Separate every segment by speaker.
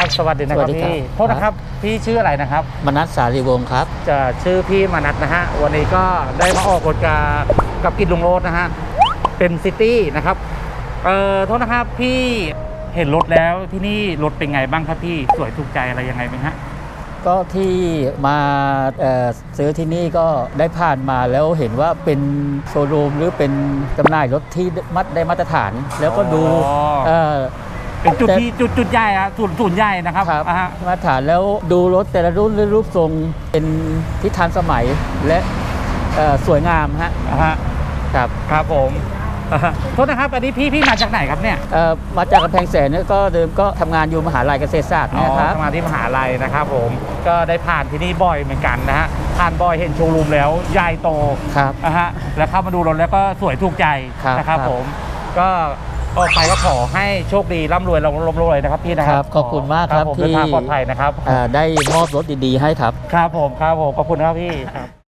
Speaker 1: สวัสดีนะครับพี่โทษนะครับพี่ชื่ออะไรนะครับ
Speaker 2: มนัสสารีวงศ์ครับ
Speaker 1: จะชื่อพี่มนัสนะฮะวันนี้ก็ได้มาออกรถกับกิจลุงโรดนะฮะเป็นซิตี้นะครับโทษนะครับพี่เห็นรถแล้วที่นี่รถเป็นไงบ้างครับพี่สวยถูกใจอะไรยังไงไหมฮะ
Speaker 2: ก็ที่มาซื้อที่นี่ก็ได้ผ่านมาแล้วเห็นว่าเป็นโชว์รูมหรือเป็นจำหน่ายรถที่ได้มาตรฐาน แล้วก็ดู
Speaker 1: เป็นจุดที่จุดใหญ่อะศูนย์ใหญ่นะครับ
Speaker 2: มาตรฐานแล้วดูรถแต่ละรุ่นหรือรูปทรงเป็นที่ทันสมัยและสวยงามฮะ
Speaker 1: ครับผมโทษนะครับอันนี้พี่มาจากไหนครับเนี่ย
Speaker 2: มาจากกำแพงแสนเนี่ยก็เดิมก็ทำงานอยู่มหาลัยเกษตรศาสตร์นะครับ
Speaker 1: ทำงานที่มหาลัยนะครับผมก็ได้ผ่านที่นี่บ่อยเหมือนกันนะฮะผ่านบ่อยเห็นโชว์รูมแล้วใหญ่โตนะฮะแล้วเข้ามาดูรถแล้วก็สวยถูกใจนะครับผมก็ออกไปก็ขอให้โชคดีร่ำรวยนะครับพี่นะครับ
Speaker 2: ขอบคุณมากครับ
Speaker 1: ที่เดินทางปลอดภัยนะครับ
Speaker 2: ได้มอบรถดีๆให้ครับ
Speaker 1: ครับผมขอบคุณครับพี่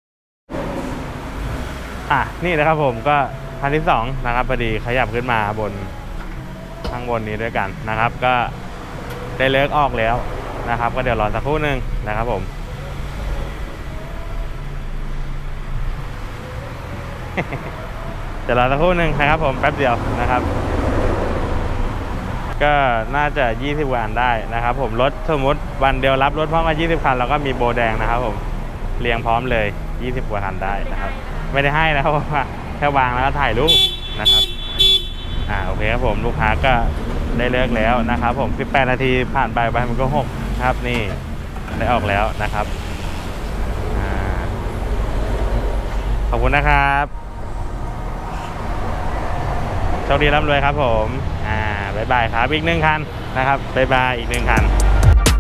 Speaker 3: นี่นะครับผมก็คันที่2นะครับพอดีขยับขึ้นมาบนข้างบนนี้ด้วยกันนะครับก็ได้เลิกออกแล้วนะครับก็เดี๋ยวรอสักครู่หนึ่งนะครับผม เดี๋ยวรอสักครู่หนึ่งนะครับผมแป๊บเดียวนะครับก็น่าจะ20 วันได้นะครับผมรถสมมติวันเดียวรับรถพร้อมกัน20 คันแล้วก็มีโบแดงนะครับผมเรียงพร้อมเลย20 กว่าคันได้นะครับไม่ได้ให้นะครับว่าแค่วางแล้วก็ถ่ายรูปนะครับโอเคครับผมลูกค้าก็ได้เลิกแล้วนะครับผม18 นาทีผ่านไปมันก็6ครับนี่ได้ออกแล้วนะครับขอบคุณนะครับโชคดีร่ำรวยครับผมบ๊ายบายครับอีก1 คันนะครับบ๊ายบายอีก1 คัน